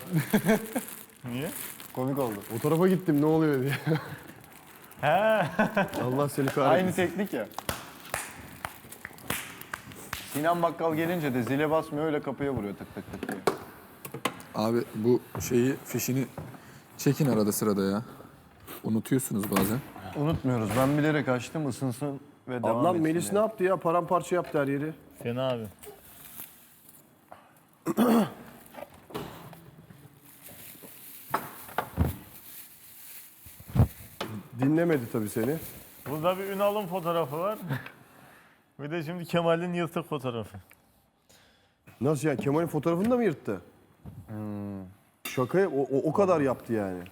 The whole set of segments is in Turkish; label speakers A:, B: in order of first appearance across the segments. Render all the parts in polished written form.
A: Niye?
B: Komik oldu.
C: O tarafa gittim ne oluyor diye.
A: He.
C: Allah seni kahretsin.
B: Aynı teknik ya. Sinan Bakkal gelince de zile basmıyor, öyle kapıya vuruyor tık tık tık diye.
D: Abi bu fişini çekin arada sırada ya. Unutuyorsunuz bazen.
B: Unutmuyoruz. Ben bilerek açtım, ısınsın ve devam
C: Ablam
B: etsin
C: Melis
B: diye.
C: ne yaptı ya? Paramparça yaptı her yeri.
A: Fena abi.
C: Dinlemedi tabii seni.
A: Burada bir Ünal'ın fotoğrafı var. Bir de şimdi Kemal'in yırtık fotoğrafı.
C: Nasıl yani? Kemal'in fotoğrafını da mı yırttı? Şakaya o kadar yaptı yani.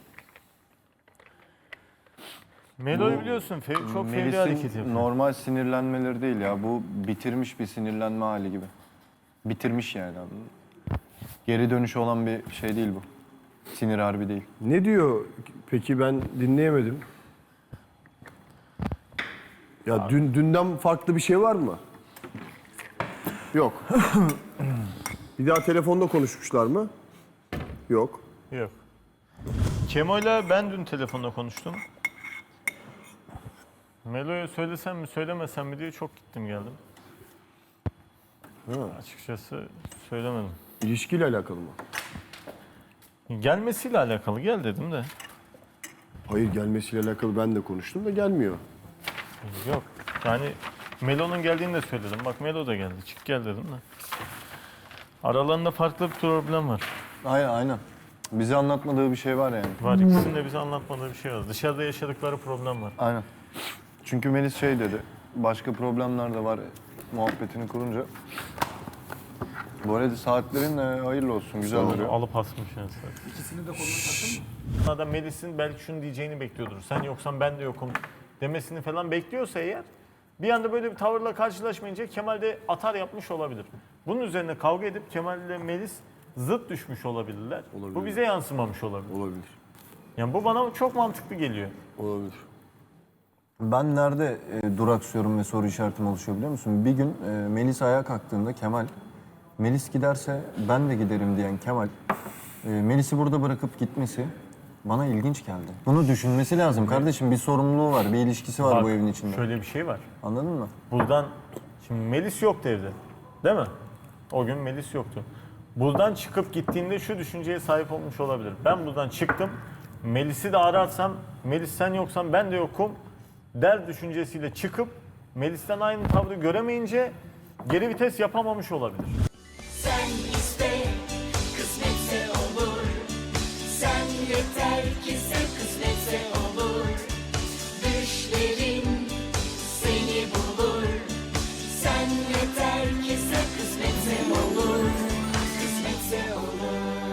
A: Melo'yu biliyorsun çok fevri hareket
B: Melis'in
A: yapıyor.
B: normal sinirlenmeleri değil ya. Bu bitirmiş bir sinirlenme hali gibi. Bitirmiş yani abi. Geri dönüşü olan bir şey değil bu. Sinir harbi değil.
C: Ne diyor peki ben dinleyemedim. Ya dünden farklı bir şey var mı? Yok. Bir daha telefonda konuşmuşlar mı? Yok.
A: Yok. Kemal'le ben dün telefonda konuştum. Melo'ya söylesem mi söylemesem mi diye çok gittim geldim. Açıkçası söylemedim.
C: İlişkiyle alakalı mı?
A: Gelmesiyle alakalı gel dedim de.
C: Hayır gelmesiyle alakalı ben de konuştum da gelmiyor.
A: Yok. Yani Melo'nun geldiğini de söyledim. Bak Melo da geldi. Çık gel dedim de. Aralarında farklı bir problem var.
B: Aynen. Bize anlatmadığı bir şey var yani.
A: Var ikisinin de bize anlatmadığı bir şey var. Dışarıda yaşadıkları problem var.
B: Aynen. Çünkü Melis şey dedi. Başka problemler de var muhabbetini kurunca. Bu arada saatlerin hayırlı olsun. Güzel duruyor.
A: Alıp asmış yani. İkisini de koluna taktın mı? Adam Melis'in belki şunu diyeceğini bekliyordur. Sen yoksan ben de yokum demesini falan bekliyorsa eğer bir anda böyle bir tavırla karşılaşmayınca Kemal de atar yapmış olabilir. Bunun üzerine kavga edip Kemal ile Melis zıt düşmüş olabilirler.
C: Olabilir.
A: Bu bize yansımamış olabilir.
C: Olabilir.
A: Yani bu bana çok mantıklı geliyor.
C: Olabilir.
B: Ben nerede duraksıyorum ve soru işaretim oluşuyor biliyor musun? Bir gün Melis ayağa kalktığında Kemal, Melis giderse ben de giderim diyen Kemal, Melis'i burada bırakıp gitmesi bana ilginç geldi. Bunu düşünmesi lazım kardeşim. Bir sorumluluğu var, bir ilişkisi var
A: Bak,
B: bu evin içinde.
A: Şöyle bir şey var.
B: Anladın mı?
A: Buradan, şimdi Melis yoktu evde. Değil mi? O gün Melis yoktu. Buradan çıkıp gittiğinde şu düşünceye sahip olmuş olabilir. Ben buradan çıktım, Melis'i de ararsam, Melis sen yoksan ben de yokum der düşüncesiyle çıkıp Melis'ten aynı tavrı göremeyince geri vites yapamamış olabilir.
E: Sen iste, kısmetse olur. Sen yeter ki sen kısmetse olur.